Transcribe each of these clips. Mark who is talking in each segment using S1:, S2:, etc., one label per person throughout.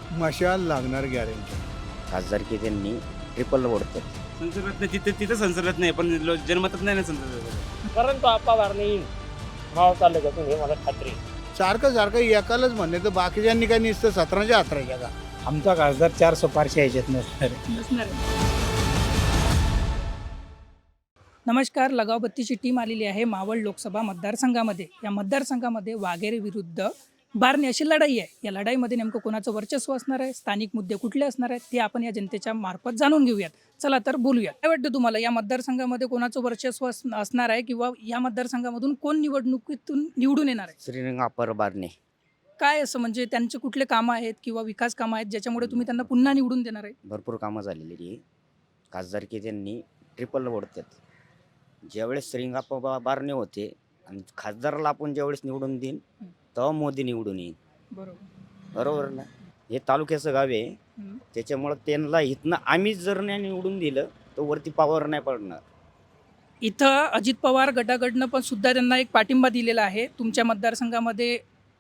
S1: मशाल लागणार गॅरंटी.
S2: खासदारकी त्यांनी ट्रिपल ओढतात.
S3: संसर्गात नाही तिथं संसर्गात नाही पण जन्मतच नाही ना संसर्गात.
S4: परंतु आपावार नाही येईल माव तालुक्यातून हे मला खात्री आहे.
S1: सारखं एकालाच म्हणणे तर बाकीच्यांनी काय नुसतं 17च्या 18च्या का.
S5: आमचा खासदार 4 सुपारशी यायच्यात नसणार.
S6: नमस्कार. लगावबत्तीची टीम आलेली आहे मावळ लोकसभा मतदारसंघामध्ये. या मतदारसंघामध्ये वाघेरे विरुद्ध बारणे अशी लढाई आहे. या लढाईमध्ये नेमकं कोणाचं वर्चस्व असणार आहे, स्थानिक मुद्दे कुठले असणार आहेत ते आपण या जनतेच्या मार्फत जाणून घेऊयात. चला तर बोलूयात. काय वाटतं तुम्हाला या मतदारसंघामध्ये कोणाचं वर्चस्व असणार आहे किंवा या मतदारसंघामधून कोण निवडणुकीतून निवडून येणार आहे?
S2: श्रीरंग अप्पर बारणे.
S6: काय असं म्हणजे त्यांचे कुठले कामं आहेत किंवा विकास कामं आहेत ज्याच्यामुळे तुम्ही त्यांना पुन्हा निवडून देणार आहे?
S2: भरपूर कामं झालेली आहे. खासदारकी त्यांनी ट्रिपल ओढतात. ज्यावेळेस श्रीरंग अप्पा बारणे होते आणि खासदाराला आपण ज्यावेळेस निवडून देईन तेव्हा मोदी निवडून येईल. बरोबर ना. हे तालुक्याचं गाव आहे. त्याच्यामुळं त्यांना इथनं आम्ही जर नाही निवडून दिलं तर वरती पावर नाही पडणार.
S6: इथं अजित पवार गटाकडनं पण सुद्धा त्यांना एक पाठिंबा दिलेला आहे. तुमच्या मतदारसंघामध्ये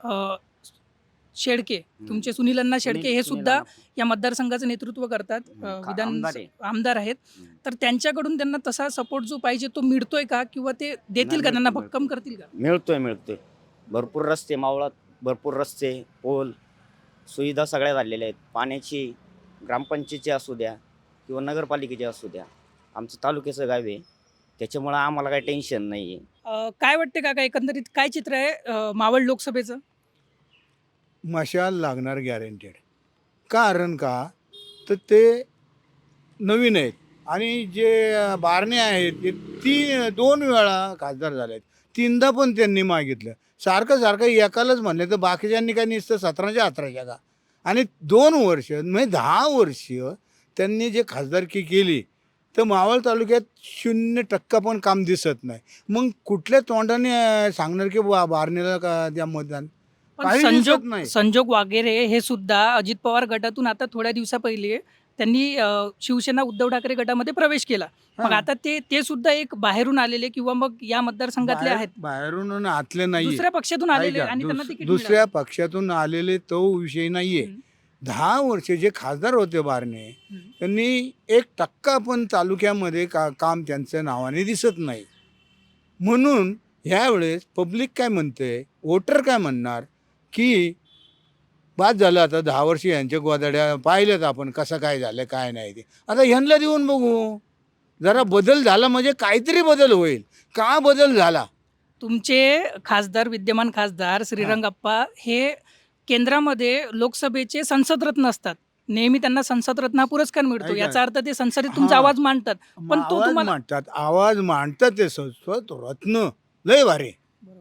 S6: शेडके, तुमचे सुनील अण्णा शेडके हे सुद्धा या मतदारसंघाचं नेतृत्व करतात, विधान आमदार आहेत. तर त्यांच्याकडून त्यांना तसा सपोर्ट जो पाहिजे तो मिळतोय का किंवा ते देतील का, त्यांना भक्कम करतील का?
S2: मिळतोय. भरपूर रस्ते मावळात, भरपूर रस्ते, पोल, सुविधा सगळ्या झालेल्या आहेत. पाण्याची, ग्रामपंचायतीची असू द्या किंवा नगरपालिकेची असू द्या. आमचं तालुक्याचं गाव आहे त्याच्यामुळं आम्हाला काही टेन्शन नाही आहे.
S6: काय वाटते काका, एकंदरीत काय चित्र आहे मावळ लोकसभेचं?
S1: मशाल लागणार गॅरंटेड. कारण का तर ते नवीन आहेत आणि जे बारणे आहेत ते 2 वेळा खासदार झाले आहेत. 3दा पण त्यांनी मागितलं. सारखं एकालाच म्हणले तर बाकीच्यांनी काय नुसतं 17च्या 18च्या का. आणि 2 वर्ष म्हणजे 10 वर्ष त्यांनी जे खासदारकी केली तर मावळ तालुक्यात 0% पण काम दिसत नाही. मग कुठल्या तोंडाने सांगणार की बारणेला का त्या मतदान?
S6: पण संजोग वागेरे हे सुद्धा अजित पवार गटातून आता थोड्या दिवसा पहिले त्यांनी शिवसेना उद्धव ठाकरे गटामध्ये प्रवेश केला. मग आता ते सुद्धा एक बाहेरून आलेले किंवा मग या मतदारसंघातले आहेत,
S1: बाहेरून आतले नाही,
S6: दुसऱ्या पक्षातून आलेले आणि त्यांना तिकीट
S1: दुसऱ्या पक्षातून आलेले तो विषय नाहीये. 10 वर्ष जे खासदार होते बारणे त्यांनी 1% पण तालुक्यामध्ये काम त्यांच्या नावाने दिसत नाही. म्हणून ह्यावेळेस पब्लिक काय म्हणते, वोटर काय म्हणणार की बाद झालं आता 10 वर्ष यांच्या गोदाड्या पाहिल्यात आपण कसं काय झालं काय नाही ते. आता ह्यांना देऊन बघू जरा बदल झाला म्हणजे काहीतरी बदल होईल. का बदल झाला?
S6: तुमचे खासदार, विद्यमान खासदार श्रीरंगप्पा हे केंद्रामध्ये लोकसभेचे संसदरत्न असतात. नेहमी त्यांना संसदरत्न हा पुरस्कार मिळतो. याचा अर्थ ते संसदेत तुमचा आवाज मांडतात. पण तो तुम्हाला
S1: आवाज मांडतात ते संसद रत्न लय भारी.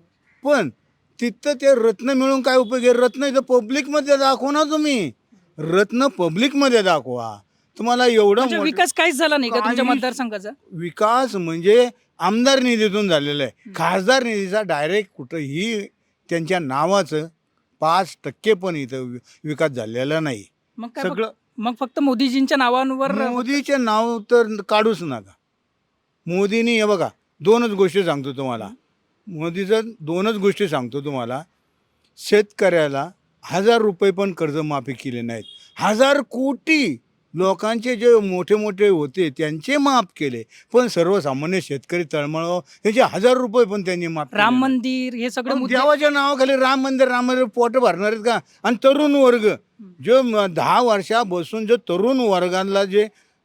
S1: पण तिथं ते रत्न मिळून काय उपयोग आहे? रत्न इथं पब्लिकमध्ये दाखवा ना तुम्ही. रत्न पब्लिकमध्ये दाखवा. तुम्हाला एवढं
S6: विकास काहीच झाला नाही का तुमच्या मतदारसंघाचा?
S1: विकास म्हणजे आमदार निधीतून झालेला आहे. खासदार निधीचा डायरेक्ट कुठंही त्यांच्या नावाचं 5% पण इथं विकास झालेला नाही.
S6: मग फक्त मोदीजींच्या नावांवर.
S1: मोदीचे नाव तर काढूच नका. मोदींनी हे बघा 2च गोष्टी सांगतो तुम्हाला. मोदीचं 2च गोष्टी सांगतो तुम्हाला. शेतकऱ्याला 1000 रुपये पण कर्जमाफी केले नाहीत. 1000 कोटी लोकांचे जे मोठे होते त्यांचे माफ केले, पण सर्वसामान्य शेतकरी तळमळ त्याचे 1000 रुपये पण त्यांनी माफ.
S6: राम मंदिर हे सगळं
S1: देवाच्या नावाखाली राम मंदिर पोट भरणार आहेत का? आणि तरुण वर्ग जो 10 वर्षा बसून जो तरुण वर्गाला जे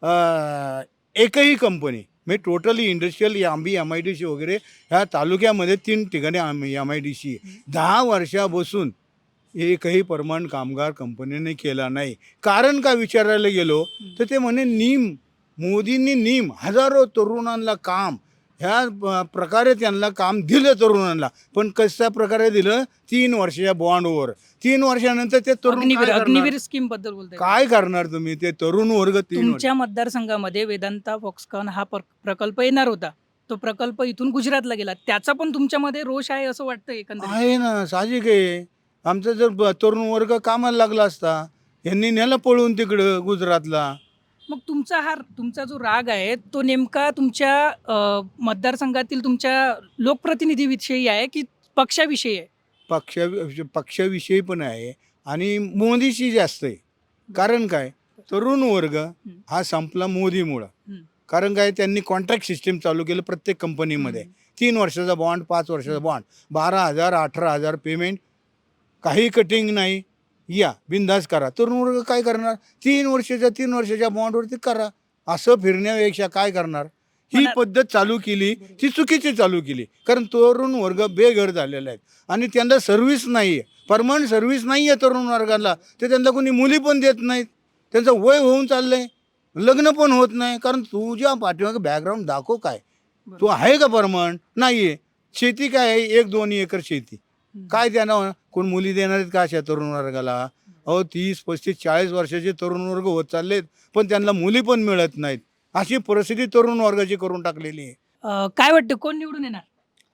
S1: एकही कंपनी म्हणजे टोटली इंडस्ट्रियल MIDC वगैरे ह्या तालुक्यामध्ये 3 ठिकाणी MIDC 10 वर्षा बसून एकही परमनंट कामगार कंपनीने केला नाही. कारण का विचारायला गेलो तर ते म्हणे मोदींनी हजारो तरुणांना काम ह्या प्रकारे त्यांना काम दिलं तरुणांना. पण कशा प्रकारे दिलं? 3 वर्षाच्या बॉन्डवर. 3 वर्षानंतर ते तरुण
S6: अग्निवीर स्कीम बद्दल बोलताय.
S1: काय करणार तुम्ही? ते तरुण वर्ग
S6: तुमच्या मतदारसंघामध्ये वेदांता फॉक्सकॉन हा प्रकल्प येणार होता. तो प्रकल्प इथून गुजरातला गेला. त्याचा पण तुमच्यामध्ये रोष आहे असं वाटतं? एकंदरीत
S1: आहे ना, साहजिक आहे. आमचा जर तरुण वर्ग कामाला लागला असता, यांनी नेला पळून तिकडं गुजरातला.
S6: मग तुमचा जो राग आहे तो नेमका तुमच्या मतदारसंघातील तुमच्या लोकप्रतिनिधीविषयी आहे की पक्षाविषयी आहे?
S1: पक्षाविषयी पण आहे आणि मोदीशी जास्त आहे. कारण काय, तरुण वर्ग हा संपला मोदीमुळं. कारण काय, त्यांनी कॉन्ट्रॅक्ट सिस्टीम चालू केलं प्रत्येक कंपनीमध्ये. 3 वर्षाचा बॉन्ड, 5 वर्षाचा बॉन्ड, 12,000 18,000 पेमेंट, काही कटिंग नाही, या बिंदास करा. तरुण वर्ग काय करणार, 3 वर्षाच्या बॉन्डवरती करा. असं फिरण्यापेक्षा काय करणार. ही पद्धत चालू केली ती चुकीची चालू केली. कारण तरुण वर्ग बेघर झालेला आहे आणि त्यांना सर्व्हिस नाही आहे, परमनंट सर्व्हिस नाही आहे तरुण वर्गाला. ते त्यांना कोणी मुली पण देत नाहीत. त्यांचं वय होऊन चाललं आहे, लग्न पण होत नाही. कारण तुझ्या पाठीमागे बॅकग्राऊंड दाखव काय, तू आहे का परमनंट, नाही आहे. शेती काय आहे, 1-2 एकर शेती, काय त्यांना कोण मुली देणार आहेत का अशा तरुण वर्गाला. अहो 30 35 40 वर्षाचे तरुण वर्ग होत चाललेत, पण त्यांना मुली पण मिळत नाहीत. अशी परिस्थिती तरुण वर्गाची करून टाकलेली आहे.
S6: काय वाटतं कोण निवडून येणार?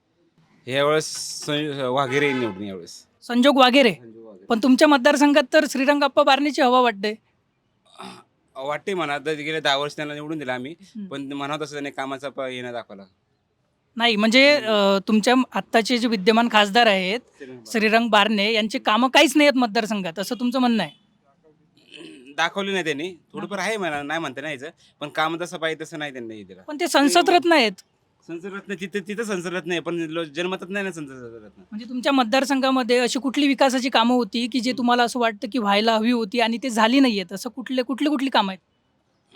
S3: यावेळेस वाघेरे निवडून यावेळेस.
S6: संजोग वागेरे. पण तुमच्या मतदारसंघात तर श्रीरंगाप्पा बारणेची हवा वाटते.
S3: वाटते म्हणा, तर गेले 10 वर्ष त्यांना निवडून दिला आम्ही, पण म्हणा तसं त्याने कामाचा हे नाही दाखवला.
S6: नाही म्हणजे तुमच्या आत्ताचे जे विद्यमान खासदार आहेत श्रीरंग बारणे यांची कामं काहीच नाही आहेत मतदारसंघात, असं तुमचं म्हणणं आहे?
S3: दाखवली नाही त्यांनी, थोडंफार आहे म्हणा, नाही म्हणता नाही यायचं, पण काम तसं पाहिजे तसं नाही त्यांनी दिलं.
S6: पण ते संसद रत्न आहेत.
S3: संसद रत्न तिथं संसद रत्न आहे, पण जन्मतच नाही ना संसद रत्न.
S6: म्हणजे तुमच्या मतदारसंघामध्ये अशी कुठली विकासाची कामं होती की जे तुम्हाला असं वाटतं की व्हायला हवी होती आणि ते झाली नाही आहेत, असं कुठली कामं आहेत?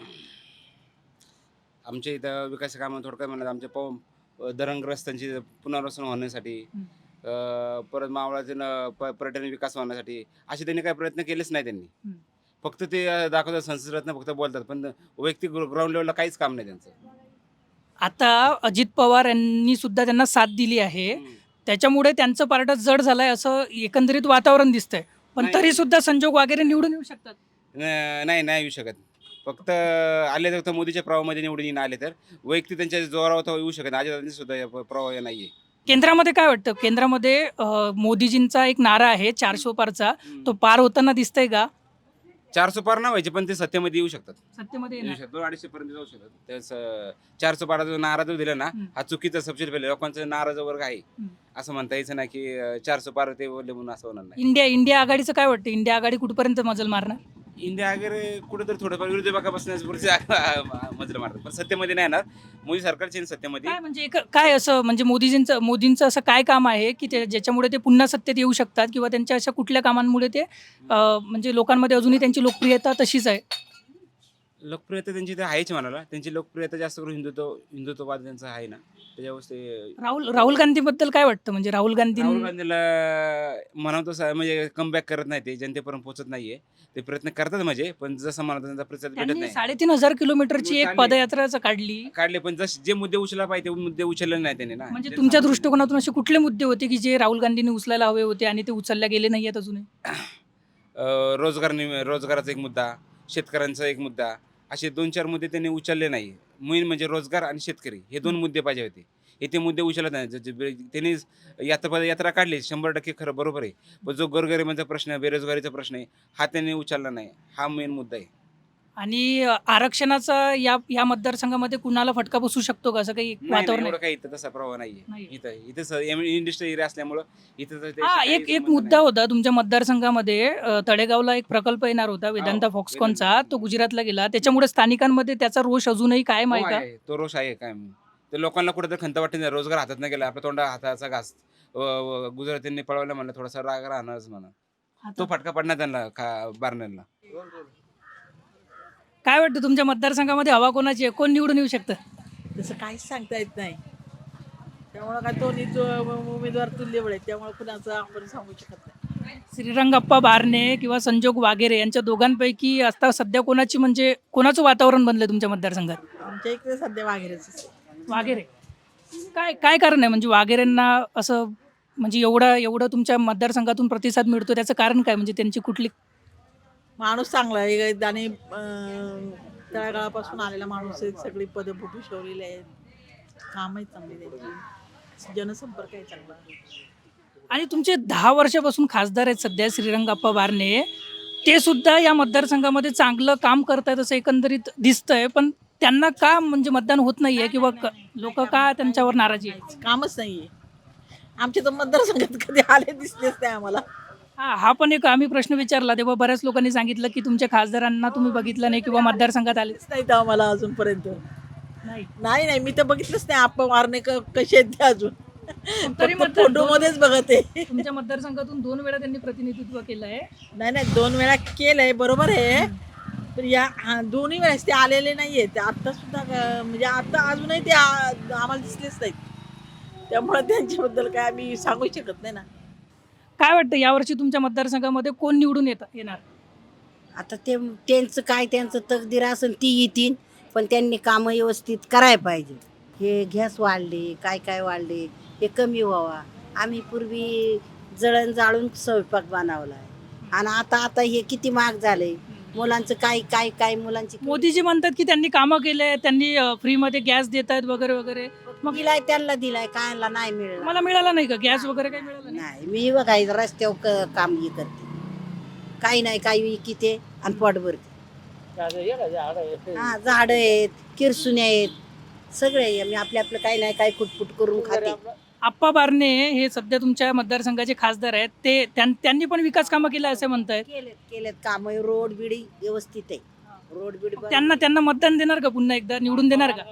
S3: आमच्या इथं विकास कामं थोडक्यात म्हणा, आमच्या धरणग्रस्तांची पुनर्वसन होण्यासाठी, परत मावळाचे पर्यटन विकास होण्यासाठी असे त्यांनी काही प्रयत्न केलेच नाही त्यांनी. फक्त ते दाखवतात संसद रत्न, फक्त बोलतात, पण वैयक्तिक ग्राउंड लेवलला काहीच काम नाही त्यांचं.
S6: आता अजित पवार यांनी सुद्धा त्यांना साथ दिली आहे, त्याच्यामुळे त्यांचं पारड जड झालंय असं एकंदरीत वातावरण दिसतंय. पण तरी सुद्धा संजोग वगैरे निवडून येऊ शकतात.
S3: नाही येऊ शकत. फक्त आले तर मोदीच्या प्रभावामध्ये निवडून आले तर, वैयक्तिक त्यांच्या जोरावर तर येऊ शकत. अजित सुद्धा प्रभाव नाहीये.
S6: केंद्रामध्ये काय वाटतं, केंद्रामध्ये मोदीजींचा एक नारा आहे 400 पारचा, तो पार होताना दिसतंय का?
S3: 400 पार नाही व्हायचे, पण ते सत्तेमध्ये येऊ शकतात.
S6: सत्तेमध्ये
S3: येऊ शकतात, 200-250 पर्यंत जाऊ शकतात. त्याच 400 पाराचा नारा जो दिला ना, हा चुकीचा सबसिडी पहिले लोकांचा नाराज वर्ग आहे. असं म्हणता यायचं ना की 400 पार ते बोलले म्हणून असं होणार नाही.
S6: इंडिया आघाडीचं काय वाटतं, इंडिया आघाडी कुठपर्यंत मजल मारणार?
S3: इंडिया वगैरे कुठेतरी थोडंफार विरोधी बघापासून मजल मारतात, पण सत्तेमध्ये नाही येणार. मोदी सरकारचे सत्तेमध्ये
S6: काय म्हणजे काय असं म्हणजे मोदींचं असं काय काम आहे की ज्याच्यामुळे ते पुन्हा सत्तेत येऊ शकतात, किंवा त्यांच्या अशा कुठल्या कामांमुळे ते म्हणजे लोकांमध्ये अजूनही त्यांची लोकप्रियता तशीच आहे?
S3: लोकप्रियता त्यांची ते आहेच म्हणाला. त्यांची लोकप्रियता जास्त करून हिंदुत्ववाद त्यांचा आहे ना, त्याच्यावर ते.
S6: राहुल गांधीबद्दल काय वाटतं, म्हणजे राहुल गांधीला
S3: म्हणतो म्हणजे कमबॅक करत नाही, ते जनतेपर्यंत पोहोचत नाहीये. ते प्रयत्न करतात म्हणजे, पण जसं म्हणतो त्यांचा प्रतिसाद भेटत नाही.
S6: 3,500 किलोमीटरची एक पदयात्राच काढले,
S3: पण जे मुद्दे उचलला पाहिजे ते मुद्दे उचलले नाही त्यांनी ना.
S6: म्हणजे तुमच्या दृष्टिकोनातून असे कुठले मुद्दे होते की जे राहुल गांधींनी उचलायला हवे होते आणि ते उचलल्या गेले नाही आहेत अजूनही?
S3: रोजगाराचा एक मुद्दा, शेतकऱ्यांचा एक मुद्दा, असे 2-4 मुद्दे त्यांनी उचलले नाही. मेन म्हणजे रोजगार आणि शेतकरी हे 2 मुद्दे पाहिजे होते. हे ते मुद्दे उचलत नाही. त्यांनी यात्रा काढली 100% खरं, बरोबर आहे. पण जो गोरगरिबांचा प्रश्न, बेरोजगारीचा प्रश्न आहे, हा त्यांनी उचलला नाही. हा मेन मुद्दा आहे.
S6: आणि आरक्षणाचा या मतदारसंघामध्ये कुणाला फटका बसू शकतो का, असं काही वातावरण
S3: काही इथं तसा प्रभाव नाहीये. इथं इंडस्ट्री एरिया असल्यामुळं इथं
S6: एक मुद्दा होता तुमच्या मतदारसंघामध्ये, तळेगावला एक प्रकल्प येणार होता वेदांता फॉक्सकॉनचा, तो गुजरातला गेला, त्याच्यामुळे स्थानिकांमध्ये त्याचा रोष अजूनही कायम आहे का?
S3: तो रोष आहे काय, तर लोकांना कुठेतरी खंत वाटते नाही. रोजगार हातात नाही गेला, आपल्या तोंडा हाताचा घास गुजरातींनी पळवलं म्हणलं, थोडासा राग राहणारच म्हणा. तो फटका पडणार त्यांना बारण्यांना.
S6: काय वाटतं तुमच्या मतदारसंघामध्ये हवा कोणाची आहे, कोण निवडून येऊ शकतं?
S7: तसं काहीच सांगता येत नाही. त्यामुळं काय दोन्ही उमेदवार तुल्यबळ आहेत, त्यामुळे कुणाचं आपण सांगू शकत नाही.
S6: श्रीरंगाप्पा बारणे किंवा संजोग वागेरे यांच्या दोघांपैकी आता सध्या कोणाचं वातावरण बनलंय तुमच्या मतदारसंघात?
S7: आमच्या इकडे सध्या वाघेरेच.
S6: वागेरे. काय कारण आहे म्हणजे वागेरेंना असं म्हणजे एवढं तुमच्या मतदारसंघातून प्रतिसाद मिळतो, त्याचं कारण काय, म्हणजे त्यांची कुठली?
S7: माणूस चांगला आहे आणि तळागाळापासून आलेला माणूस आहे, सगळी पदं भूषवलेली आहेत, कामही चांगली त्यांची, जनसंपर्क आहे चांगला.
S6: आणि तुमचे 10 वर्षापासून खासदार आहेत सध्या श्रीरंगाप्पा बारणे, ते सुद्धा या मतदारसंघामध्ये चांगलं काम करतायत असं एकंदरीत दिसतंय, पण त्यांना का म्हणजे मतदान होत नाहीये, किंवा लोक का त्यांच्यावर नाराजी आहे?
S7: कामच नाहीये. आमच्या तर मतदारसंघात कधी आले दिसलेच नाही आम्हाला.
S6: हा पण एक आम्ही प्रश्न विचारला तेव्हा बऱ्याच लोकांनी सांगितलं की तुमच्या खासदारांना तुम्ही बघितलं नाही किंवा मतदारसंघात आले
S7: नाही तर आम्हाला अजूनपर्यंत
S6: नाही.
S7: नाही नाही मी तर बघितलंच नाही आप्पा मारणे कसे आहेत ते अजून
S6: तरी
S7: फक्त फोटोमध्येच बघत आहे.
S6: तुमच्या मतदारसंघातून 2 वेळा त्यांनी प्रतिनिधित्व केलं आहे.
S7: नाही नाही 2 वेळा केलंय बरोबर आहे. पण या दोन्ही वेळेस ते आलेले नाहीये ते आता सुद्धा म्हणजे आता अजूनही ते आम्हाला दिसलेच नाहीत. त्यामुळे त्यांच्याबद्दल काय आम्ही सांगू शकत नाही ना.
S6: काय वाटतं यावर्षी तुमच्या मतदारसंघामध्ये कोण निवडून येणार?
S8: आता ते त्यांचं तकदीर असेल ती येतील, पण त्यांनी कामं व्यवस्थित करायला पाहिजे. हे गॅस वाढले, काय वाढले, हे कमी व्हावा. आम्ही पूर्वी जळण जाळून स्वयंपाक बनवला आहे आणि आता हे किती महाग झाले. मुलांचं काय मुलांची
S6: मोदीजी म्हणतात की त्यांनी कामं केले, त्यांनी फ्रीमध्ये गॅस देत आहेत वगैरे वगैरे.
S8: मग त्यांना दिलाय, कायला नाही मिळाला.
S6: मला मिळाला नाही का गॅस वगैरे काही मिळालं नाही?
S8: नाही, मी बघायचं रस्त्यावर काम हे करते, काही नाही काही विकिते आणि पोट भरते. हा, झाड आहेत, किरसुन्या आहेत, सगळे आहे. मी आपलं काही नाही काही कुटपुट करून खाते.
S6: आप्पा बारणे हे सध्या तुमच्या मतदारसंघाचे खासदार आहेत, ते त्यांनी पण विकास कामं केलं असं म्हणतायत.
S8: केलेत काम, रोड बिडी व्यवस्थित आहे. रोड बिडी
S6: त्यांना मतदान देणार का पुन्हा एकदा निवडून देणार का?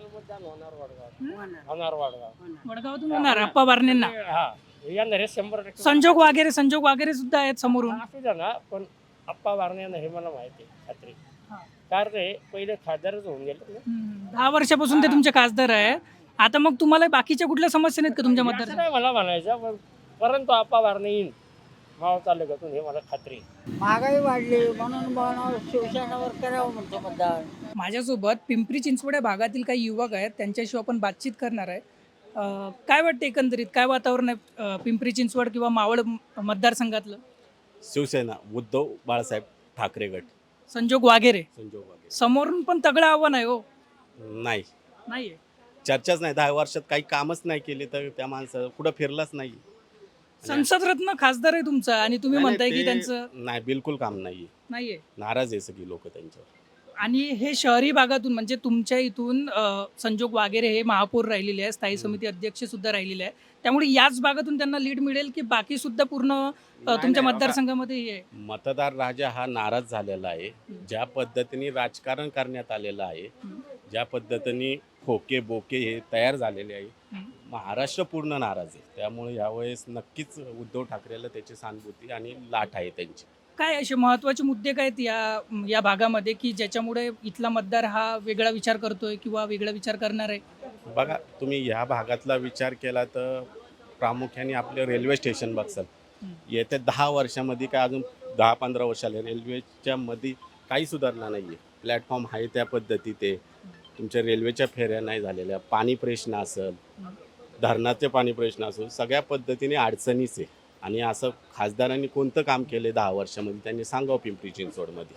S4: होणार वाढगाव.
S6: वडगावातून होणार आप्पा बारणेंना.
S4: हा येणार हे 100%
S6: संजोग वगैरे सुद्धा आहेत समोरून.
S4: असू द्या ना, पण आप्पा बारणे यांना हे मला माहिती आहे खात्री.
S6: हा.
S4: कारण ते पहिले खासदारच होऊन गेले ना.
S6: 10 वर्षापासून ते तुमचे खासदार आहेत. आता मग तुम्हाला बाकीच्या कुठल्या समस्या नाहीत का तुमच्या
S4: असं
S6: मतदारसंघात?
S4: नाही मला म्हणायचं, पण परंतु आप्पा बारणे येईन माव तालुक्यातून हे मला खात्री आहे.
S9: महागाई वाढली म्हणून शिवसेनेवर करावं म्हणतो मतदान.
S6: माझ्यासोबत पिंपरी चिंचवड या भागातील काही युवक आहेत, त्यांच्याशी आपण बातचीत करणार आहे. काय वाटतं एकंदरीत काय वातावरण आहे पिंपरी चिंचवड किंवा मावळ मतदारसंघातलं?
S10: शिवसेना उद्धव बाळासाहेब ठाकरे गट.
S6: संजोग वगैरे
S10: संजोग वगैरे
S6: समोरून पण तगडं आव्हान आहे. हो
S10: नाही,
S6: नाहीये.
S10: चर्चाच नाही. 10 वर्षात काही कामच नाही केले तर त्या माणसं कुठं फिरलाच नाही.
S6: संसद रत्न खासदार आहे तुमचा आणि तुम्ही
S10: नाही,
S6: म्हणताय
S10: ते
S6: की त्यांचं
S10: नाही, बिलकुल काम नाहीये.
S6: नाहीये.
S10: नाराज आहे सगळी लोक त्यांच्यावर.
S6: आणि हे शहरी भागातून म्हणजे तुमच्या इथून संजोग वगैरे हे महापौर राहिलेले आहे, स्थायी समिती अध्यक्ष सुद्धा राहिलेले आहे. त्यामुळे याच भागातून त्यांना लीड मिळेल की बाकी सुद्धा पूर्ण तुमच्या
S10: नाही,
S6: मतदारसंघामध्ये हे आहे?
S10: मतदार राजा हा नाराज झालेला आहे. ज्या पद्धतीने राजकारण करण्यात आलेलं आहे, ज्या पद्धतीने खोके बोके हे तयार झालेले आहे, महाराष्ट्र पूर्ण नाराज आहे. त्यामुळे यावेळेस नक्कीच उद्धव ठाकरेला त्याची सहानुभूती आणि लाट आहे त्यांची.
S6: काय असे महत्त्वाचे मुद्दे काय आहेत या भागामध्ये की ज्याच्यामुळे इथला मतदार हा वेगळा विचार करतोय किंवा वेगळा विचार करणार आहे?
S10: बघा, तुम्ही ह्या भागातला विचार केला तर प्रामुख्याने आपलं रेल्वे स्टेशन बघसाल. येत्या 10 वर्षामध्ये काय अजून 10-15 वर्षाला रेल्वेच्या मध्ये काही सुधारणा नाही आहे. प्लॅटफॉर्म आहे त्या पद्धतीत आहे. तुमच्या रेल्वेच्या फेऱ्या नाही झालेल्या, पाणी प्रश्न असेल, धरणाचे पाणी प्रश्न असेल, सगळ्या पद्धतीने अडचणीच आहे. आणि असं खासदारांनी कोणतं काम केले 10 वर्षामध्ये त्यांनी सांगावं पिंपरी चिंचवडमध्ये.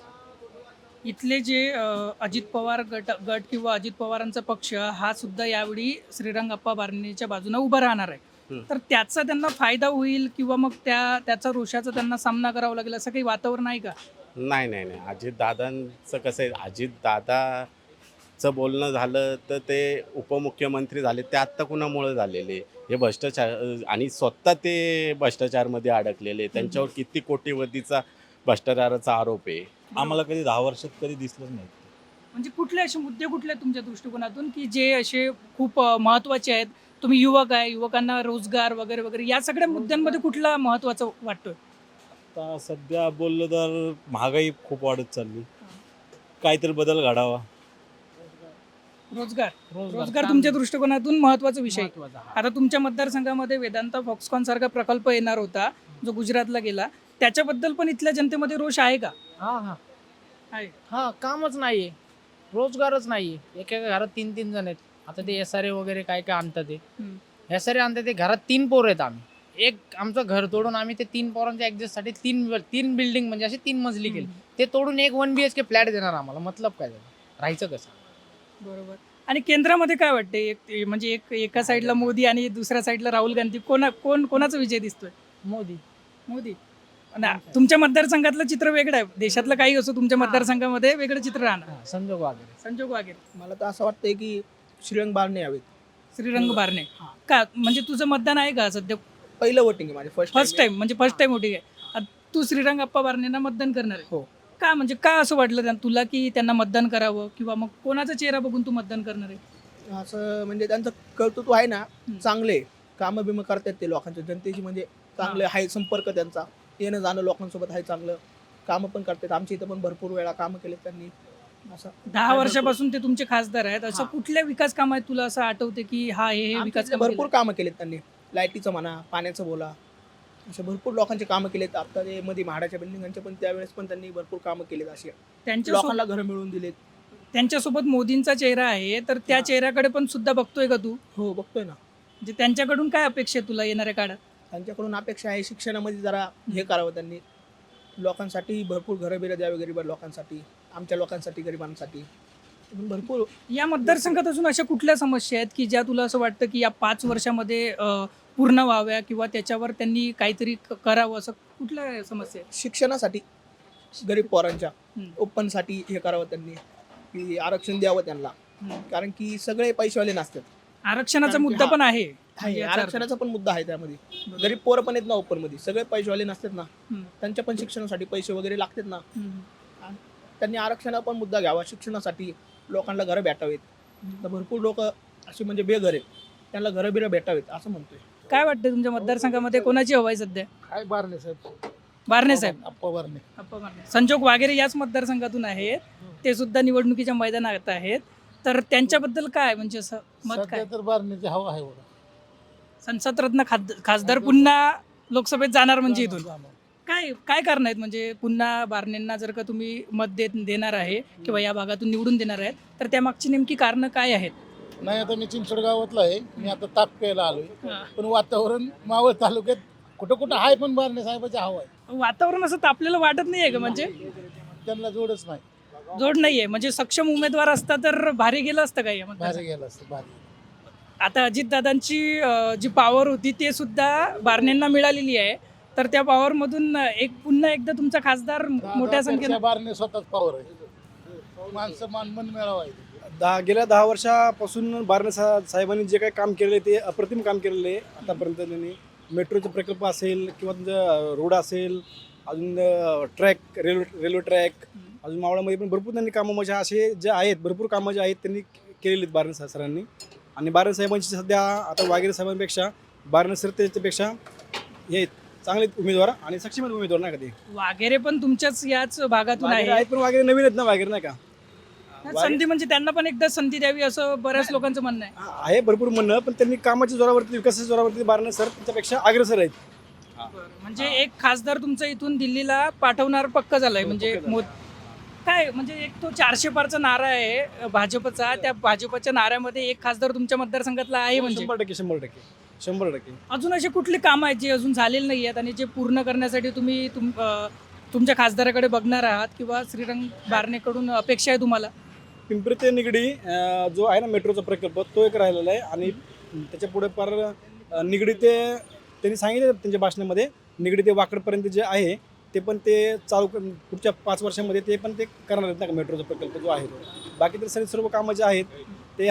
S6: इथले जे अजित पवार गट किंवा अजित पवारांचा पक्ष हा सुद्धा यावेळी श्रीरंगप्पा बारणेच्या बाजूने उभा राहणार आहे. तर त्याचा त्यांना फायदा होईल किंवा मग त्याचा रोषाचा त्यांना सामना करावा लागेल असं काही वातावरण आहे का?
S10: नाही, अजितदादांचं कसं आहे, अजितदादाचं बोलणं झालं तर ते उपमुख्यमंत्री झाले ते आत्ता कुणामुळे झालेले, हे भ्रष्टाचार आणि स्वतः ते भ्रष्टाचारमध्ये अडकलेले. त्यांच्यावर किती कोटीवधीचा भ्रष्टाचाराचा आरोप आहे.
S11: आम्हाला कधी 10 वर्षात कधी दिसलंच नाही.
S6: म्हणजे कुठले असे मुद्दे कुठले आहेत तुमच्या दृष्टिकोनातून की जे असे खूप महत्त्वाचे आहेत? तुम्ही युवक आहे, युवकांना रोजगार वगैरे वगैरे या सगळ्या मुद्द्यांमध्ये कुठला महत्त्वाचा वाटतोय?
S11: आता सध्या बोललं तर महागाई खूप वाढत चालली, काहीतरी बदल घडावा.
S6: रोजगार तुमच्या दृष्टिकोनातून महत्त्वाचा विषय. आता तुमच्या मतदारसंघामध्ये वेदांता फॉक्सकॉन सारखा प्रकल्प येणार होता जो गुजरातला गेला, त्याच्याबद्दल पण इथल्या जनतेमध्ये रोष आहे का?
S9: हा कामच नाहीये, रोजगारच नाहीये. एका घरात 3-3 जण आहेत. आता ते SRA वगैरे काय आणतात ते SRA आणतात. ते घरात 3 पोरं आहेत. आम्ही आमचं घर तोडून आम्ही ते 3 पोरांच्या ऍडजस्टसाठी 3 बिल्डिंग म्हणजे अशी 3 मजली केली. ते तोडून एक 1 BHK फ्लॅट देणार आम्हाला. मतलब काय झालं, राहायचं कसं?
S6: बरोबर. आणि केंद्रामध्ये काय वाटते म्हणजे एका साईडला मोदी आणि दुसऱ्या साईडला राहुल गांधी, कोणाचा विजय दिसतोय? मोदी. तुमच्या मतदारसंघातलं चित्र वेगळं आहे, देशातलं काही असो तुमच्या मतदारसंघामध्ये वेगळं चित्र राहणार.
S9: संजोग वगैरे
S5: मला तर असं वाटतंय की श्रीरंग बारणे यावेत.
S6: श्रीरंग बारणे का? म्हणजे तुझं मतदान आहे का सध्या?
S5: पहिलं वोटिंग आहे माझे,
S6: फर्स्ट टाइम म्हणजे फर्स्ट टाइम वोटिंग आहे. तू श्रीरंगाप्पा बारणेंना मतदान करणार आहे.
S5: हो.
S6: का म्हणजे का असं वाटलं तुला की त्यांना मतदान करावं, किंवा मग कोणाचा चेहरा बघून तू मतदान करणार आहे?
S5: असं म्हणजे त्यांचं कर्तृत्व आहे ना, चांगले कामं बिमं करतात ते लोकांच्या जनतेची, म्हणजे चांगले आहे, संपर्क त्यांचा येणं जाणं लोकांसोबत आहे चांगलं, कामं पण करतात. आमच्या इथं पण भरपूर वेळा कामं केलेत त्यांनी. असं
S6: 10 वर्षापासून ते तुमचे खासदार आहेत. असं
S5: हा.
S6: कुठल्या विकास काम आहेत तुला असं आठवते की हा हे
S5: आमच्या
S6: विकास
S5: इथे
S6: कामं
S5: भरपूर
S6: केले?
S5: कामं केलेत त्यांनी, लाईटीचं म्हणा, पाण्याचं बोला, असे भरपूर लोकांचे कामं केलेत. आता ते मध्ये म्हाडाच्या बिल्डिंगांचे पण त्यावेळेस पण त्यांनी भरपूर कामं केलेत. असे लोकांना घरं मिळवून दिलेत.
S6: त्यांच्यासोबत मोदींचा चेहरा आहे, तर त्या चेहऱ्याकडे पण सुद्धा बघतोय का तू?
S5: हो, बघतोय ना.
S6: म्हणजे त्यांच्याकडून काय अपेक्षा आहे तुला येणाऱ्या काळात?
S5: त्यांच्याकडून अपेक्षा आहे शिक्षणामध्ये जरा हे करावं त्यांनी, लोकांसाठी भरपूर घरं बिरं द्यावे, गरीब लोकांसाठी, आमच्या लोकांसाठी, गरिबांसाठी भरपूर.
S6: या मतदारसंघात अजून अशा कुठल्या समस्या आहेत की ज्या तुला असं वाटतं की या 5 वर्षामध्ये पूर्ण व्हाव्या, किंवा त्याच्यावर त्यांनी काहीतरी करावं, असं कुठल्या समस्या आहेत?
S5: शिक्षणासाठी गरीब पोरांच्या
S6: हम्म.
S5: ओपनसाठी हे करावं त्यांनी, की आरक्षण द्यावं त्यांना, कारण की सगळे पैसेवाले नसतात.
S6: आरक्षणाचा
S5: कारण की
S6: मुद्दा
S5: हा,
S6: पण आहे.
S5: आहे,
S6: याचा अर्थ.
S5: आरक्षणाचा पण मुद्दा आहे त्यामध्ये. गरीब पोरं पण आहेत ना ओपन मध्ये, सगळे पैसेवाले नसतात ना,
S6: हम्म.
S5: त्यांच्या पण शिक्षणासाठी पैसे वगैरे लागतात ना.
S6: हम्म.
S5: त्यांनी आरक्षणाचा पण मुद्दा घ्यावा, शिक्षणासाठी लोकांना घरं भेटावेत. तर भरपूर लोक असे म्हणजे बेघर आहेत, त्यांना घरं बिरं भेटावेत असं म्हणतोय.
S6: काय वाटतं तुमच्या मतदारसंघामध्ये कोणाची हवा आहे सध्या?
S5: काय बारणे साहेब,
S6: बारणे साहेब.
S5: अप्पा बारणे.
S6: अप्पा बारणे. संजोग वागेरे याच मतदारसंघातून आहेत, ते सुद्धा निवडणुकीच्या मैदानात आहेत. तर त्यांच्याबद्दल काय म्हणजे असं मत काय?
S5: तर बारणेची हवा आहे बघा.
S6: संसद रत्न खासदार पुन्हा लोकसभेत जाणार म्हणजे इथून काय काय कारण आहेत? म्हणजे पुन्हा बारणेंना जर का तुम्ही मत देणार आहे किंवा या भागातून निवडून देणार आहेत, तर त्यामागची नेमकी कारणं काय आहेत?
S5: नाही, आता मी चिंचवड गावातला आहे, मी आता ताप प्यायला आलोय, पण वातावरण मावळ तालुक्यात कुठं कुठं आहे, पण बारणे साहेबाची हवा आहे.
S6: वातावरण असं तापलेलं वाटत नाहीये का? म्हणजे
S5: त्यांना जोडच नाही.
S6: जोड नाहीये म्हणजे सक्षम उमेदवार असता तर भारी गेलं असतं काय या मतदारसंघात?
S5: भारी गेलं असतं, भारी.
S6: आता अजितदादांची जी पॉवर होती ते सुद्धा बारणेंना मिळालेली आहे, तर त्या पॉवरमधून पुन्हा एकदा तुमचा खासदार मोठ्या संख्येने
S5: बारणे स्वतःच पॉवर आहे, माणसं मन मिळावं आहे.
S12: गेल्या 10 वर्षापासून बारणे साहेबांनी जे काही काम केलेलं आहे ते अप्रतिम काम केलेलं आहे. आतापर्यंत त्यांनी मेट्रोचे प्रकल्प असेल, किंवा तुमचं रोड असेल, अजून ट्रॅक, रेल्वे ट्रॅक, अजून मावळामध्ये पण भरपूर त्यांनी कामं म्हणजे असे जे आहेत, भरपूर कामं जे आहेत त्यांनी केलेली आहेत बारणे सरांनी. आणि बारणे साहेबांची सध्या आता वागेरे साहेबांपेक्षा बारणे सर त्याच्यापेक्षा हे चांगले उमेदवार आणि सक्षम उमेदवार नाही का ते.
S6: वागेरे पण तुमच्याच याच भागातून
S12: वागेरे
S6: आहे.
S12: आहेत, पण वागेरे नवीन आहेत ना, वागेरे नाही का.
S6: संधी म्हणजे त्यांना पण एकदा संधी द्यावी असं बऱ्याच लोकांचं म्हणणं आहे.
S12: आहे भरपूर म्हणणं, पण त्यांनी कामाच्या जोरावरती, विकासाच्या जोरावरती बारणे सर त्यांच्यापेक्षा अग्रेसर आहेत.
S6: म्हणजे एक खासदार तुमचा इथून दिल्लीला पाठवणार पक्का झालाय. म्हणजे काय म्हणजे एक तो 400 पारचा नारा आहे भाजपचा, त्या भाजपच्या नाऱ्यामध्ये एक खासदार तुमच्या मतदारसंघातला आहे. म्हणजे
S12: 100%.
S6: अजून अशी कुठली कामं आहेत जी अजून झालेली नाही आहेत आणि जे पूर्ण करण्यासाठी तुम्ही तुमच्या खासदाराकडे बघणार आहात, किंवा श्रीरंग बारणेकडून अपेक्षा आहे तुम्हाला?
S12: पिंपरी ते निगडी जो आहे ना मेट्रोचा प्रकल्प, तो एक राहिलेला आहे. आणि त्याच्या पुढे पार निगडी ते त्यांनी सांगितलं त्यांच्या भाषणामध्ये, निगडी ते वाकडपर्यंत जे आहे ते पण ते चालू पुढच्या 5 वर्षामध्ये ते पण ते करणार आहेत ना मेट्रोचा प्रकल्प जो आहे तो. बाकी तर सर्व कामं जे आहेत ते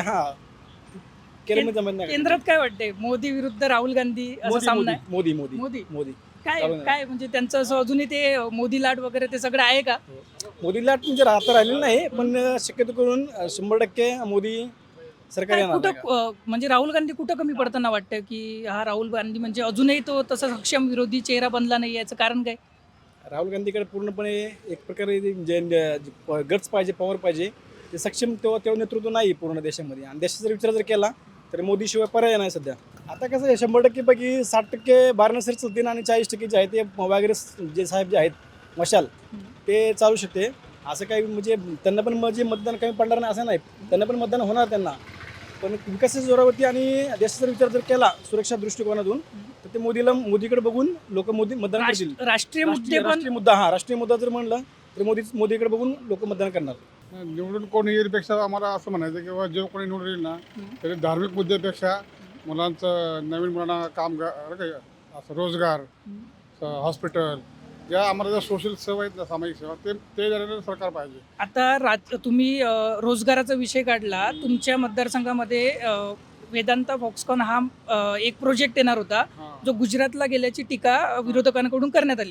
S12: केलं जमत नाही.
S6: केंद्रात काय वाटते, मोदी विरुद्ध राहुल गांधी असा सामना आहे?
S12: मोदी
S6: काय
S12: चालू नाही.
S6: काय म्हणजे त्यांचं असं अजूनही ते मोदी लाट वगैरे ते सगळं आहे का?
S12: मोदी लाट म्हणजे आता राहिलेलं नाही, पण शक्यतो करून 100% मोदी सरकार
S6: काय
S12: येणार नाही का.
S6: कुठं म्हणजे राहुल गांधी कुठं कमी पडताना वाटतं की हा राहुल गांधी म्हणजे अजूनही तो तसा सक्षम विरोधी चेहरा बनला नाही, याचं कारण काय?
S12: राहुल गांधीकडे पूर्णपणे एक प्रकारे गट्स पाहिजे, पॉवर पाहिजे. ते सक्षम तेव्हा नेतृत्व नाही पूर्ण देशामध्ये. आणि देशाचा विचार जर केला तर मोदीशिवाय पर्याय नाही सध्या. आता कसं आहे, 100% पैकी 60% बारणे सर चालतील आणि 40% जे आहे ते वगैरे जे साहेब जे आहेत मशाल ते चालू शकते. असं काही म्हणजे त्यांना पण म्हणजे मतदान कमी पडणार नाही असं नाही, त्यांना पण मतदान होणार त्यांना. पण विकासाच्या जोरावरती आणि देशाचा विचार जर केला सुरक्षा दृष्टिकोनातून तर ते मोदीकडे बघून लोक मतदान करतील.
S6: राष्ट्रीय मुद्दे पण
S12: राष्ट्रीय मुद्दा जर म्हणलं तर मोदीकडे बघून लोक मतदान करणार.
S13: निवडून कोणी येण्यापेक्षा आम्हाला असं म्हणायचं की बाबा जो कोणी निवडून येईल ना तरी धार्मिक मुद्द्यापेक्षा मुलांचं नवीन मुलांना काम असं रोजगार, हॉस्पिटल, ज्या आम्हाला ज्या सोशल सेवा आहेत ना, सामाजिक सेवा, ते देणारं सरकार पाहिजे.
S6: आता तुम्ही रोजगाराचा विषय काढला. तुमच्या मतदारसंघामध्ये वेदांता फॉक्सकॉन हा एक प्रोजेक्ट येणार होता, जो गुजरातला गेल्याची टीका विरोधकांकडून करण्यात आली.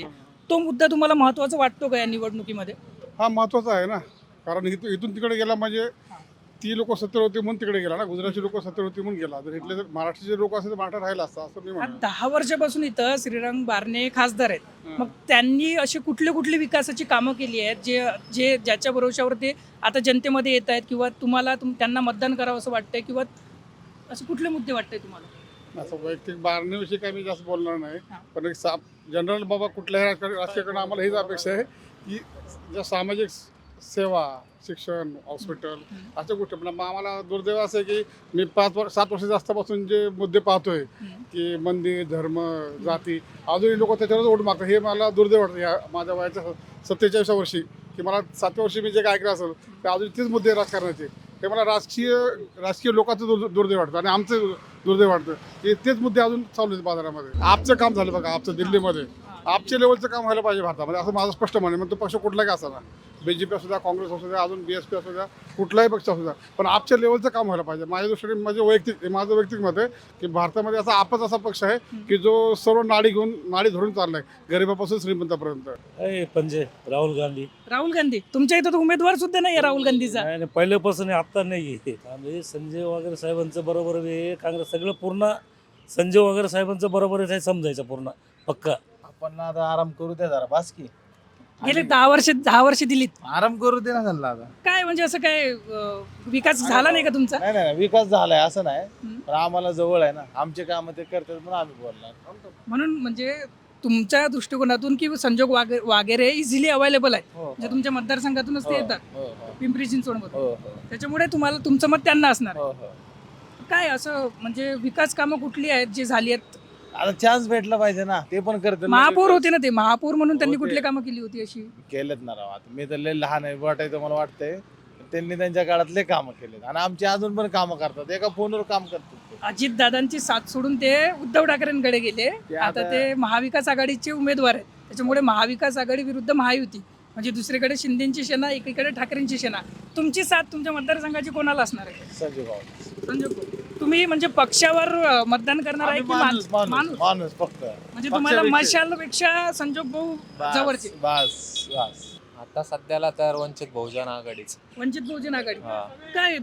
S6: तो मुद्दा तुम्हाला महत्त्वाचा वाटतो का या निवडणुकीमध्ये?
S13: हा महत्त्वाचा आहे ना, कारण इथून तिकडे गेला म्हणजे ती लोक सत्तर होती म्हणून तिकडे गेला ना, गुजरातची लोक सत्तर होती म्हणून गेला. जर इथले जर महाराष्ट्राचे लोक असेल तर महाराष्ट्र राहिला असता असं मी
S6: आज
S13: म्हणतो.
S6: 10 वर्षापासून इथं श्रीरंग बारणे खासदार आहेत. मग त्यांनी अशी कुठली विकासाची कामं केली आहेत जे ज्याच्या भरोशावर ते आता जनतेमध्ये येत आहेत, किंवा तुम्हाला त्यांना मतदान करावं असं वाटतंय, किंवा असे कुठले मुद्दे वाटतंय तुम्हाला?
S13: असं वैयक्तिक बारण्याविषयी काही मी जास्त बोलणार नाही, पण एक जनरल बाबा कुठल्याही राजकारणाकडून आम्हाला हीच अपेक्षा आहे की ज्या सामाजिक सेवा, शिक्षण, हॉस्पिटल अशा गोष्टी. पण आम्हाला दुर्दैव असं आहे की मी 7 वर्ष जास्तपासून जे मुद्दे पाहतोय की मंदिर, धर्म, जाती, अजूनही लोक त्याच्यावरच ओढ मागतात. हे मला दुर्दैव वाटतं ह्या माझ्या वयाच्या 47व्या वर्षी, की मला 7व्या वर्षी मी जे काय ऐकलं असेल ते अजून तेच मुद्दे राजकारणाचे. हे मला राजकीय लोकांचं दुर्दैव वाटतं आणि आमचं दुर्दैव वाटतं की तेच मुद्दे अजून चालू आहेत बाजारामध्ये. आपचं काम झालं बघा, आपचं दिल्लीमध्ये आपच्या लेवलचं काम व्हायला पाहिजे भारतामध्ये, असं माझं स्पष्ट म्हणणं. मग तो पक्ष कुठलाही का असावा, BJP असू द्या, काँग्रेस असू द्या, अजून BSP असू द्या, कुठलाही पक्ष असू द्या, पण आपच्या लेवलचं काम व्हायला पाहिजे. माझ्या दृष्टीने माझं वैयक्तिक मत आहे की भारतामध्ये आपच असा पक्ष आहे की जो सर्व नाडी धरून चाललाय, गरिबापासून श्रीमंतापर्यंत.
S11: पंजे राहुल गांधी.
S6: तुमच्या इथं तर उमेदवार सुद्धा नाही राहुल गांधीचा.
S11: नाही पहिल्यापासून आता नाही आहे. संजय वगैरे साहेबांचं बरोबर आहे, काँग्रेस सगळं पूर्ण संजय वगैरे साहेबांचं बरोबर आहे समजायचं पूर्ण पक्का.
S12: आपण आता आराम करू दे जरा, बास की
S6: गेले 10 वर्ष दिलीत.
S12: आराम करू दे ना त्यांना आता.
S6: काय म्हणजे असं काय विकास झाला नाही का तुमचा?
S12: नाही विकास झालाय असं नाही, पण आम्हाला जवळ आहे ना, आमचे काम ते करतात म्हणून आम्ही बोलणार.
S6: म्हणून म्हणजे तुमच्या दृष्टिकोनातून की संजोग वगैरे इझिली अवेलेबल आहेत, म्हणजे तुमच्या मतदारसंघातूनच ते येतात पिंपरी चिंचवडमध्ये, त्याच्यामुळे तुमचं मत त्यांना असणार आहे. काय असं म्हणजे विकास कामं कुठली आहेत जी झाली आहेत?
S12: आता चान्स भेटला पाहिजे ना, ते पण करतात.
S6: महापौर होते ना ते, महापौर म्हणून त्यांनी कुठली कामं केली होती अशी?
S12: केलेत ना राव. आता मी तर लय लहान आहे वाटायचं मला वाटतंय, त्यांनी त्यांच्या काळातले कामं केलेत आणि आमचे अजून पण कामं करतात, एका फोनवर काम करतात.
S6: अजित दादांची साथ सोडून ते उद्धव ठाकरेंकडे गेले. आता ते महाविकास आघाडीचे उमेदवार आहेत, त्याच्यामुळे महाविकास आघाडी विरुद्ध महायुती, म्हणजे दुसरीकडे शिंदेची सेना, एकीकडे ठाकरेंची सेना. तुमची साथ तुमच्या मतदारसंघाची कोणाला असणार आहे?
S12: संजय भाऊ.
S6: संजय भाऊ. तुम्ही म्हणजे पक्षावर मतदान करणार आहे की माणूस?
S12: माणूस फक्त.
S6: म्हणजे तुम्हाला मशालपेक्षा संजोग भाऊ जवळचे?
S12: बस
S14: आता सध्याला तर वंचित बहुजन आघाडीच.
S6: वंचित बहुजन आघाडी. काय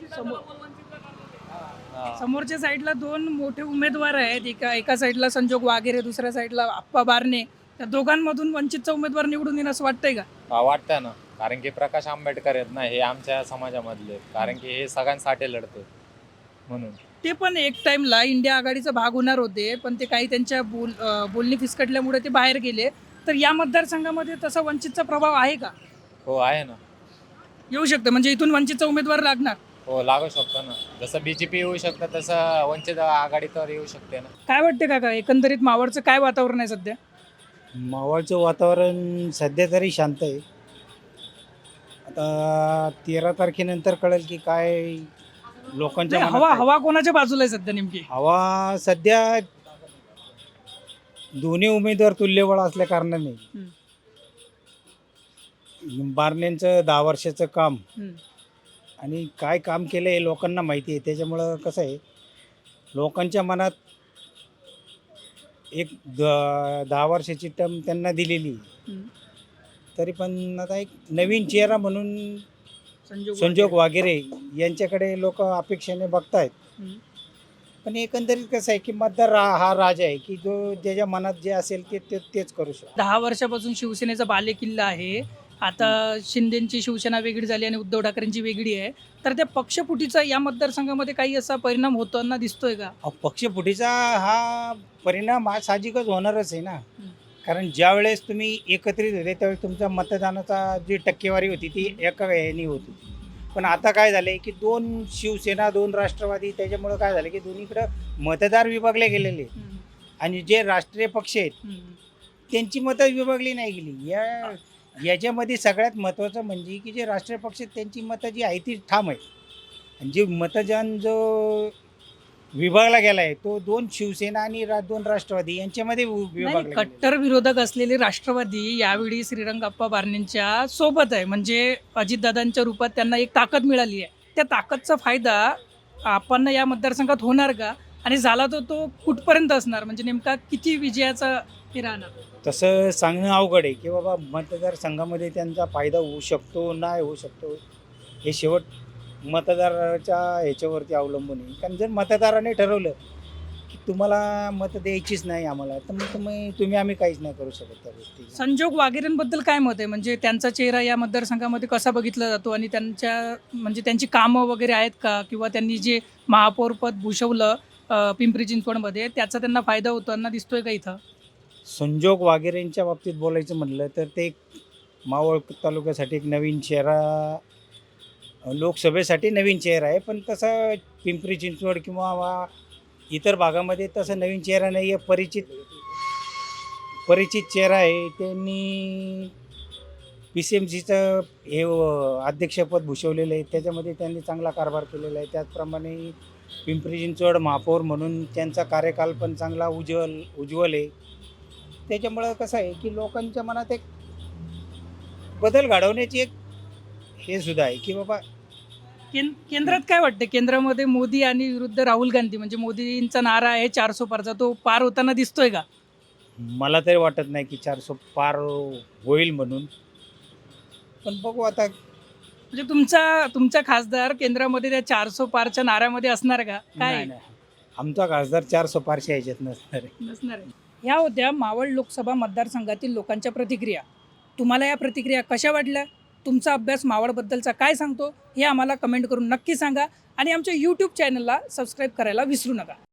S6: समोरच्या साईडला 2 मोठे उमेदवार आहेत, एका साईडला संजोग वागेरे, दुसऱ्या साईडला आप्पा बारणे. त्या दोघांमधून वंचितचा उमेदवार निवडून येईल असं वाटतंय का?
S14: वाटतंय ना, कारण की प्रकाश आंबेडकर आहेत ना, हे आमच्या समाजामधले आहेत, कारण की हे सगळ्यांसाठी लढते म्हणून.
S6: ते पण एक टाइमला इंडिया आघाडीचा भाग होणार होते, पण ते काही त्यांच्या बोलणी फिसकटल्यामुळे ते बाहेर गेले. तर या मतदारसंघामध्ये तसा वंचितचा प्रभाव आहे का?
S14: हो आहे ना,
S6: येऊ शकतं, म्हणजे इथून वंचितचा उमेदवार लागणार?
S14: हो लागू शकतो ना, जसं BJP येऊ शकतं तसं वंचित आघाडी तर येऊ शकते ना.
S6: काय वाटते काका, एकंदरीत मावळचं काय वातावरण आहे सध्या?
S15: मावळचं वातावरण सध्या तरी शांत आहे. आता 13 तारखेनंतर कळेल की काय लोकांच्या मनात काय.
S6: हवा कोणाच्या बाजूला आहे सध्या नेमकी?
S15: हवा सध्या दोन्ही उमेदवार तुल्यबळ असल्या कारणाने बारण्यांचं 10 वर्षाचं काम आणि काय काम केलं हे लोकांना माहिती आहे. त्याच्यामुळं कसं आहे, लोकांच्या मनात एक 10 वर्षाची टर्म त्यांना दिलेली, तरी पण आता एक नवीन चेहरा म्हणून संजोग वागेरे यांच्याकडे लोक अपेक्षेने बघतायत. पण एकंदरीत कसं आहे की मतदार हा राजा आहे की जो ज्याच्या मनात जे असेल तेच करू शकतो.
S6: 10 वर्षापासून शिवसेनेचा बालेकिल्ला आहे. आता शिंदेची शिवसेना वेगळी झाली आणि उद्धव ठाकरेंची वेगळी आहे. तर त्या पक्षफुटीचा या मतदारसंघामध्ये काही असा परिणाम होताना दिसतोय का?
S15: पक्षफुटीचा हा परिणाम हा साहजिकच होणारच आहे ना, कारण ज्या वेळेस तुम्ही एकत्रित होते त्यावेळेस तुमच्या मतदानाचा जी टक्केवारी होती ती एका याने होती. पण आता काय झालं आहे की 2 शिवसेना 2 राष्ट्रवादी, त्याच्यामुळं काय झालं की दोन्हीकडं मतदार विभागले गेलेले आणि जे राष्ट्रीय पक्ष आहेत त्यांची मतं विभागली नाही गेली. याच्यामध्ये सगळ्यात महत्त्वाचं म्हणजे की जे राष्ट्रीय पक्ष आहेत त्यांची मतं जी आहे ती ठाम आहे आणि जे मतदान जो विभागला गेला आहे तो 2 शिवसेना आणि 2 राष्ट्रवादी यांच्यामध्ये विभागला.
S6: कट्टर विरोधक असलेले राष्ट्रवादी यावेळी श्रीरंगाप्पा बारणेंच्या सोबत आहे, म्हणजे अजितदादांच्या रूपात त्यांना एक ताकद मिळाली आहे. त्या ताकदचा फायदा आपण या मतदारसंघात होणार का? आणि झाला तर तो कुठपर्यंत असणार, म्हणजे नेमका किती विजयाचा हे राहणार?
S15: तसं सांगणं अवघड आहे की बाबा मतदारसंघामध्ये त्यांचा फायदा होऊ शकतो नाही होऊ शकतो, हे शेवट मतदाराच्या ह्याच्यावरती अवलंबून आहे. कारण जर मतदाराने ठरवलं की तुम्हाला मत द्यायचीच नाही आम्हाला, तर मग तुम्ही आम्ही काहीच नाही करू शकत त्या गोष्टी.
S6: संजोग वाघेरेंबद्दल काय मत आहे, म्हणजे त्यांचा चेहरा या मतदारसंघामध्ये कसा बघितला जातो आणि म्हणजे त्यांची कामं वगैरे आहेत का, किंवा त्यांनी जे महापौरपद भूषवलं पिंपरी चिंचवडमध्ये, त्याचा त्यांना फायदा होताना दिसतोय का इथं?
S15: संजोग वाघेरेंच्या बाबतीत बोलायचं म्हटलं तर ते मावळ तालुक्यासाठी एक नवीन चेहरा, लोकसभेसाठी नवीन चेहरा आहे, पण तसं पिंपरी चिंचवड किंवा इतर भागामध्ये तसं नवीन चेहरा नाही आहे. परिचित चेहरा आहे. त्यांनी PCMCचं हे अध्यक्षपद भूषवलेलं आहे, त्याच्यामध्ये त्यांनी चांगला कारभार केलेला आहे. त्याचप्रमाणे पिंपरी चिंचवड महापौर म्हणून त्यांचा कार्यकाल पण चांगला उज्ज्वल आहे. त्याच्यामुळं कसं आहे की लोकांच्या मनात एक बदल घडवण्याची एक हे सुद्धा आहे की बाबा
S6: केंद्रात काय वाटतं, केंद्रामध्ये मोदी आणि विरुद्ध राहुल गांधी, म्हणजे मोदींचा नारा आहे 400 पारचा, तो पार होताना दिसतोय का?
S15: मला तरी वाटत नाही की 400 पार होईल म्हणून, पण बघू आता.
S6: म्हणजे तुमचा खासदार केंद्रामध्ये त्या 400 पारच्या नाऱ्यामध्ये असणार का? काय
S15: नाही, आमचा खासदार 400 पारच्या ह्याच्यात नसणार आहे.
S6: नसणार आहे. ह्या होत्या मावळ लोकसभा मतदारसंघातील लोकांच्या प्रतिक्रिया. तुम्हाला या प्रतिक्रिया कशा वाटल्या? तुमचा अभ्यास मावळबद्दलचा काय सांगतो हे आम्हाला कमेंट करून नक्की सांगा आणि आमच्या यूट्यूब चॅनलला सबस्क्राईब करायला विसरू नका.